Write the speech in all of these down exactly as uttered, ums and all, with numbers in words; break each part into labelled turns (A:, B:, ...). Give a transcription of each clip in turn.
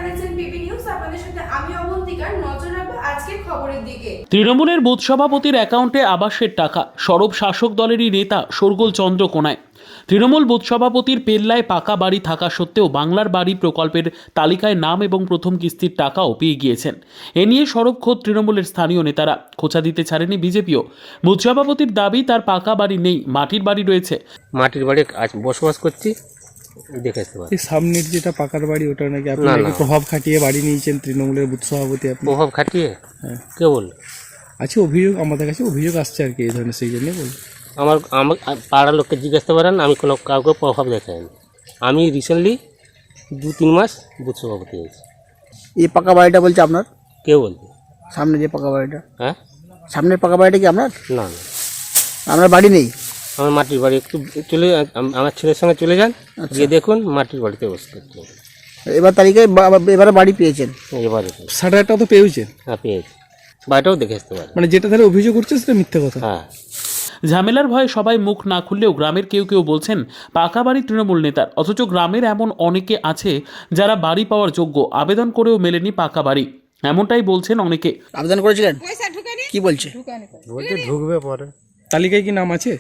A: দেখছেন PB news, আপনাদের সাথে আমি অবন্তিকার। নজর রাখবো আজকের খবরের দিকে।
B: তৃণমূলের বুথ সভাপতির অ্যাকাউন্টে আবাসের টাকা, সরব শাসক দলেরই নেতা শোরগোল চন্দ্রকোনায়। তৃণমূল বুথ সভাপতির পেল্লায় পাকা বাড়ি থাকা সত্ত্বেও বাংলার বাড়ি প্রকল্পের তালিকায় নাম এবং প্রথম কিস্তির টাকাও পেয়ে গিয়েছেন। এ নিয়ে সরব খোদ তৃণমূলের স্থানীয় নেতারা। খোঁচা দিতে ছাড়েনি বিজেপিও। বুথ সভাপতির দাবি তার পাকা বাড়ি নেই, মাটির বাড়ি রয়েছে।
C: মাটির বাড়ি আজ বসবাস করছি, দেখে আসতে পারি।
D: এই সামনের যেটা পাকার বাড়ি ওটা নাকি আপনি
C: না,
D: নাকি
C: না।
D: প্রভাব খাটিয়ে বাড়ি নিয়েছেন তৃণমূলের বুথ সভাপতি আপনি?
C: প্রভাব খাটিয়ে
D: হ্যাঁ।
C: কে বলল?
D: আছে অভিযোগ, আমাদের কাছে অভিযোগ আসছে আর কি এই ধরনের, সেই জন্যই বলুন।
C: আমার আমার পাড়ার লোককে জিজ্ঞাসা পারেন, আমি কোনো কাউকে প্রভাব দেখাইনি। আমি রিসেন্টলি দু তিন মাস বুথ সভাপতি হয়েছি।
E: এই পাকা বাড়িটা বলছে আপনার?
C: কে বলবে?
E: সামনে যে পাকা বাড়িটা,
C: হ্যাঁ,
E: সামনের পাকা বাড়িটা কি আপনার?
C: না না,
E: আপনার বাড়ি নেই?
C: আমার মাটির বাড়ি একটু চলে, আম- আমার ছেলের সঙ্গে চলে যান, গিয়ে দেখুন মাটির বাড়িতে বসে করতে হবে।
E: এবার তালিকায় বা- এবারে বাড়ি পেয়েছেন?
C: এবারে
D: সাড়ে আটটা তো পেয়েছেন,
C: হ্যাঁ পেয়েছি, বাড়িটাও দেখে আসতে পারি।
D: মানে যেটা তাহলে অভিযোগ করছে সেটা মিথ্যে কথা।
C: হ্যাঁ,
B: ঝামেলার ভয়ে সবাই মুখ না খুললেও গ্রামের কেউ কেউ বলছেন পাকা বাড়ি তৃণমূল নেতার, অথচ গ্রামের এমন অনেকে আছে যারা বাড়ি পাওয়ার যোগ্য, আবেদন করেও মেলেনি পাকা বাড়ি। এমনটাই বলছেন অনেকে।
E: আবেদন করেছিলেন? কি বলছে?
F: বলছে ঢুকবে পরে।
D: তালিকায় কি নাম আছে?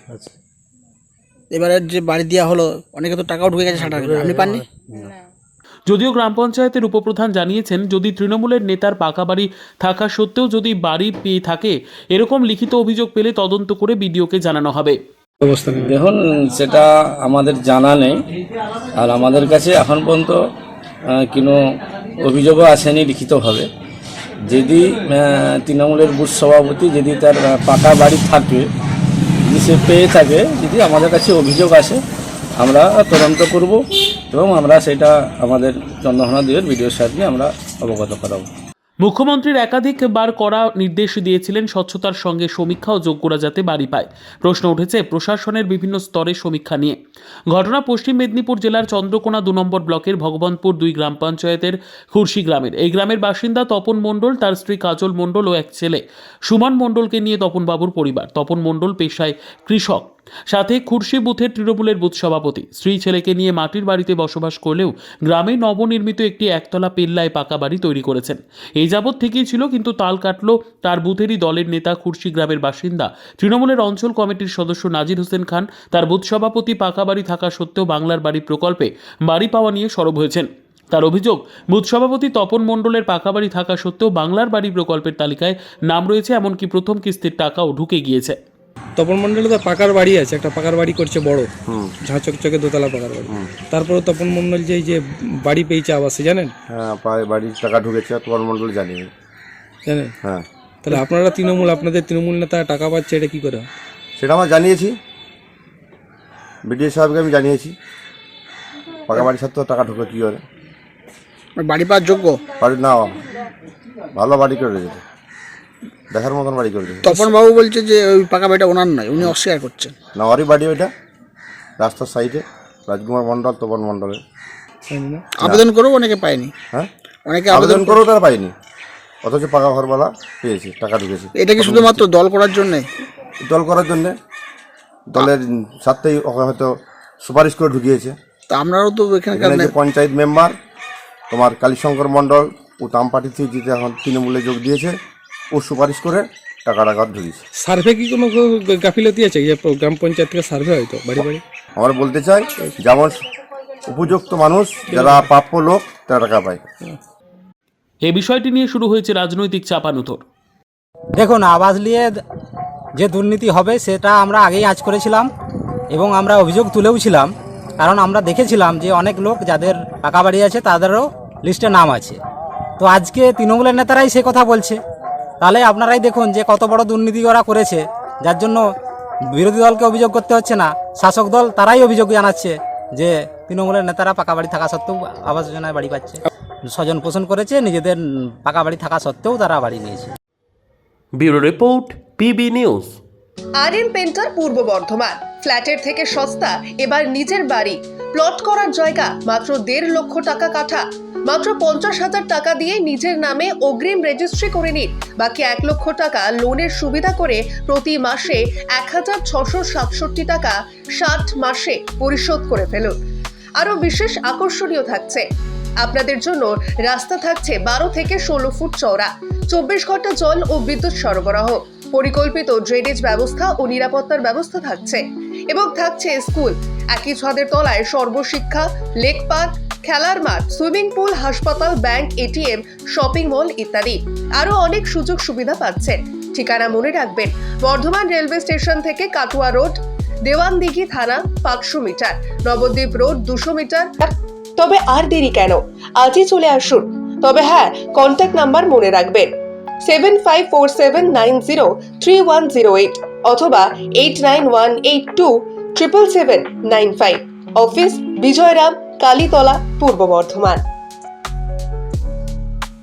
E: এবারে যে বাড়ি দেওয়া হলো, অনেকে তো টাকাও ঢুকে গেছে, ষাট হাজার, আপনি পাননি?
B: যদিও গ্রাম পঞ্চায়েতের উপপ্রধান জানিয়েছেন, যদি তৃণমূলের নেতার পাকা বাড়ি থাকা সত্ত্বেও যদি বাড়ি পেয়ে থাকে, এরকম লিখিত অভিযোগ পেলে তদন্ত করে বিডিওকে জানানো হবে।
D: অবস্থা নেই।
G: দেখুন, সেটা আমাদের জানা নেই, আর আমাদের কাছে এখন পর্যন্ত আহ, কোনো অভিযোগও আসেনি লিখিতভাবে। যদি আহ, তৃণমূলের বুথ সভাপতি যদি তার আহ, পাকা বাড়ি থাকে, যদি সে পেয়ে থাকে, যদি আমাদের কাছে অভিযোগ আসে, আমরা তদন্ত করব এবং আমরা সেটা আমাদের চন্দ্রকোনা দুয়ের বিডিও সাহেবকে আমরা অবগত করাবো।
B: মুখ্যমন্ত্রীর একাধিকবার করা নির্দেশ দিয়েছিলেন স্বচ্ছতার সঙ্গে সমীক্ষা ও যোগ্যরা যাতে বাড়ি পায়। প্রশ্ন উঠেছে প্রশাসনের বিভিন্ন স্তরের সমীক্ষা নিয়ে। ঘটনা পশ্চিম মেদিনীপুর জেলার চন্দ্রকোনা দু নম্বর ব্লকের ভগবানপুর দুই গ্রাম পঞ্চায়েতের খুরশি গ্রামের। এই গ্রামের বাসিন্দা তপন মণ্ডল, তার স্ত্রী কাজল মণ্ডল ও এক ছেলে সুমন মণ্ডলকে নিয়ে তপনবাবুর পরিবার। তপন মণ্ডল পেশায় কৃষক, সাথে খুরশি বুথের তৃণমূলের বুথ সভাপতি। স্ত্রী ছেলেকে নিয়ে মাটির বাড়িতে বসবাস করলেও গ্রামে নবনির্মিত একটি একতলা পেল্লায় পাকা বাড়ি তৈরি করেছেন। এই যাবৎ থেকেই ছিল, কিন্তু তাল কাটল তার বুথেরই দলের নেতা, খুরশি গ্রামের বাসিন্দা তৃণমূলের অঞ্চল কমিটির সদস্য নাজির হোসেন খান। তার বুথ সভাপতি পাকা বাড়ি থাকা সত্ত্বেও বাংলার বাড়ি প্রকল্পে বাড়ি পাওয়া নিয়ে সরব হয়েছেন। তার অভিযোগ, বুথ সভাপতি তপন মণ্ডলের পাকা বাড়ি থাকা সত্ত্বেও বাংলার বাড়ি প্রকল্পের তালিকায় নাম রয়েছে, এমনকি প্রথম কিস্তির টাকাও ঢুকে গিয়েছে।
D: তপন মণ্ডলে তো পাকার বাড়ি আছে, একটা পাকার বাড়ি করছে বড়, ঝাঁ চকচকে দোতলা পাকার বাড়ি। তারপরে তপন মণ্ডল যে এই যে বাড়ি পেয়েছে আবাসে, জানেন?
F: হ্যাঁ, পায়ে বাড়ির টাকা ঢুকেছে, তোমার মণ্ডল জানি।
D: জানেন?
F: হ্যাঁ,
D: তাহলে আপনারা তৃণমূল, আপনাদের তৃণমূল নেতা টাকা পাচ্ছে, এটা কি করে হয়?
F: সেটা আমরা জানিয়েছি, বিডিও সাহেবকে আমি জানিয়েছি। পাকা বাড়ির সাথে টাকা ঢুকে কী করে?
E: বাড়ি পাওয়ার যোগ্য?
F: বাড়ি না, ভালো বাড়ি করে রেখেছে, দেখার মতন বাড়ি করে রেখেছে।
E: তপন বাবু বলছে যে ওই পাকা বাড়িটা ওনার নয়, উনি অস্বীকার করছেন।
F: না, ওরই বাড়ি ওইটা, রাস্তার সাইডে, রাজকুমার মণ্ডল, তপন মণ্ডলের।
D: জানি না।
E: আবেদন করেও অনেকে পায়নি।
F: হ্যাঁ,
E: অনেকে
F: আবেদন
E: আবেদন
F: করেও তারা পাইনি, অথচ পাকা ঘরওয়ালা পেয়েছে, টাকা ঢুকেছে।
E: এটা কি শুধুমাত্র দল করার জন্যে?
F: দল করার জন্যে, দলের সাথেই ওকে হয়তো সুপারিশ করে ঢুকিয়েছে।
E: তা আপনারাও তো এখানকার
F: এখানে যে
E: নে-
F: পঞ্চায়েত মেম্বার তোমার কালীশঙ্কর মণ্ডল, ও তাম পার্টি থেকে জিতে এখন তৃণমূলে যোগ দিয়েছে, ও সুপারিশ করে টাকা টাকা ঢুকিয়েছে।
D: সার্ভে কি কোনো গাফিলতি আছে যে গ্রাম পঞ্চায়েত থেকে সার্ভে হয়তো বাড়ি বাড়ি?
F: আমরা বলতে চাই, যেমন উপযুক্ত মানুষ যারা প্রাপ্য লোক তারা টাকা পায়।
B: এই বিষয়টি নিয়ে শুরু হয়েছে রাজনৈতিক চাপানুতর।
H: দেখুন, আবাস নিয়ে যে দুর্নীতি হবে সেটা আমরা আগেই আঁচ করেছিলাম এবং আমরা অভিযোগ তুলেও ছিলাম, কারণ আমরা দেখেছিলাম যে অনেক লোক যাদের পাকা বাড়ি আছে তাদেরও লিস্টে নাম আছে। তো আজকে তৃণমূলের নেতারাই সে কথা বলছে, তাহলে আপনারাই দেখুন যে কত বড় দুর্নীতি ওরা করেছে, যার জন্য বিরোধী দলকে অভিযোগ করতে হচ্ছে না, শাসক দল তারাই অভিযোগ জানাচ্ছে যে তৃণমূলের নেতারা পাকা বাড়ি থাকা সত্ত্বেও আবাস যোজনায় বাড়ি পাচ্ছে। স্বজন পোষণ করেছে, নিজেদের পাকা বাড়ি থাকা সত্ত্বেও তারা বাড়ি নিয়েছে।
I: Bureau report, PB news.
J: R M painter Purba Bardhaman. ফ্ল্যাটের থেকে সস্তা এবার নিজের বাড়ি। প্লট করার জায়গা মাত্র দেড় লক্ষ টাকা কাঠা। মাত্র পঞ্চাশ হাজার টাকা দিয়ে নিজের নামে অগ্রিম রেজিস্ট্রি করে নিন। বাকি এক লক্ষ টাকা লোনের সুবিধা করে প্রতি মাসে এক হাজার ছশো সাতষট্টি টাকা ষাট মাসে পরিশোধ করে ফেলুন। আরও বিশেষ আকর্ষণীয় থাকছে, আপনাদের জন্য রাস্তা থাকছে বারো থেকে ষোলো ফুট চওড়া, চব্বিশ ঘন্টা জল ও বিদ্যুৎ সরবরাহ, পরিকল্পিত ড্রেনেজ ব্যবস্থা ও নিরাপত্তার ব্যবস্থা থাকছে এবং থাকছে স্কুল। একই ছাদের তলায় সর্বশিক্ষা, লেক পার্ক, খেলার মাঠ, সুইমিং পুল, হাসপাতাল, ব্যাংক, এটিএম, শপিং মল ইত্যাদি আরো অনেক সুযোগ সুবিধা পাচ্ছেন। ঠিকানা মনে রাখবেন, বর্ধমান রেলওয়ে স্টেশন থেকে কাটুয়া রোড, দেওয়ানদিঘি থানা পাঁচশো মিটার, নবদ্বীপ রোড দুশো মিটার। তবে আর দেরি কেন, আজই চলে আসুন। তবে হ্যাঁ, কন্ট্যাক্ট নাম্বার মনে রাখবেন seven five four seven nine zero three one zero eight অথবা eight nine one eight two triple seven nine five. Office Bijayram, Kalitala, Purba Bardhaman.